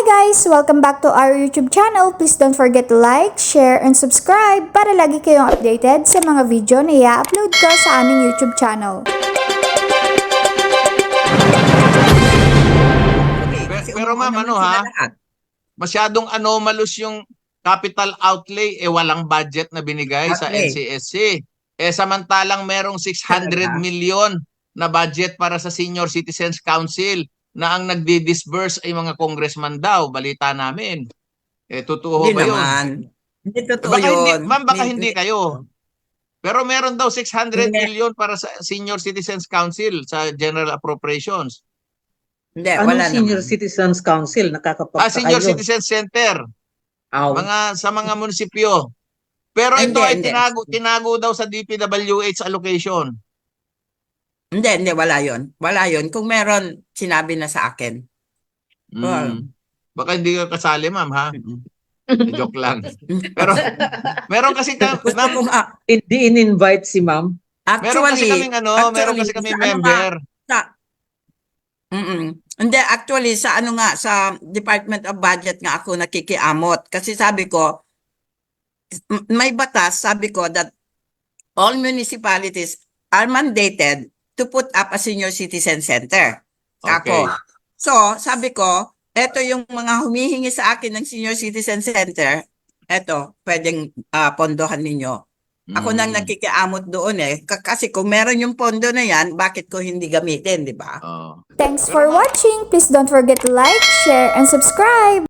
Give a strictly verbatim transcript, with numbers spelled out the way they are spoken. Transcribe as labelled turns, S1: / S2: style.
S1: guys! Welcome back to our YouTube channel. Please don't forget to like, share, and subscribe para lagi kayong updated sa mga video na i-upload ko sa aming YouTube channel.
S2: Pero, pero ma'am, ano ha? Masyadong anomalous yung capital outlay, eh walang budget na binigay sa N C S C. Eh samantalang merong six hundred million na budget para sa Senior Citizens Council na ang nagdi-disburse ay mga congressman daw, balita namin. Eh totoo
S3: Hindi
S2: ba yun?
S3: naman. Hindi totoo
S2: baka
S3: yun.
S2: Hindi, ma'am, baka
S3: Hindi,
S2: hindi kayo. Pero meron daw six hundred
S3: Hindi.
S2: million para sa Senior Citizens Council sa General Appropriations.
S3: Hindi,
S4: Anong
S3: wala
S4: Senior
S3: naman.
S4: Citizens Council? Nakakapagtaka
S2: Ah, Senior
S4: yun.
S2: Citizen Center.
S4: Aw.
S2: Mga sa mga munisipyo. Pero
S3: Hindi,
S2: ito ay
S3: hindi.
S2: tinago, tinago daw sa D P W H allocation.
S3: Hindi, hindi, wala yun. Wala yun. Kung meron, sinabi na sa akin. Well,
S2: Mm. Baka hindi ka kasali, ma'am, ha?
S3: mm-mm.
S2: Eh, joke lang. Pero meron kasi ka,
S3: Gusto
S2: ma'am,
S3: ko nga,
S4: Hindi in-invite si ma'am.
S2: meron kasi
S3: actually,
S2: kaming ano, meron kasi kaming
S3: sa ano
S2: member.
S3: nga, sa, mm Hindi, actually, sa ano nga, sa Department of Budget nga ako nakikiamot. Kasi sabi ko, m- may batas, sabi ko, that all municipalities are mandated to put up a senior citizen center. Ako.
S2: Okay.
S3: So, sabi ko, eto yung mga humihingi sa akin ng senior citizen center, eto, pwedeng ah, pondohan ninyo. Ako nang
S2: Mm.
S3: nakikiamot doon eh. K- Kasi kung meron yung pondo na yan, bakit ko hindi gamitin, di ba?
S2: Oh.
S1: Thanks for watching! Please don't forget to like, share, and subscribe!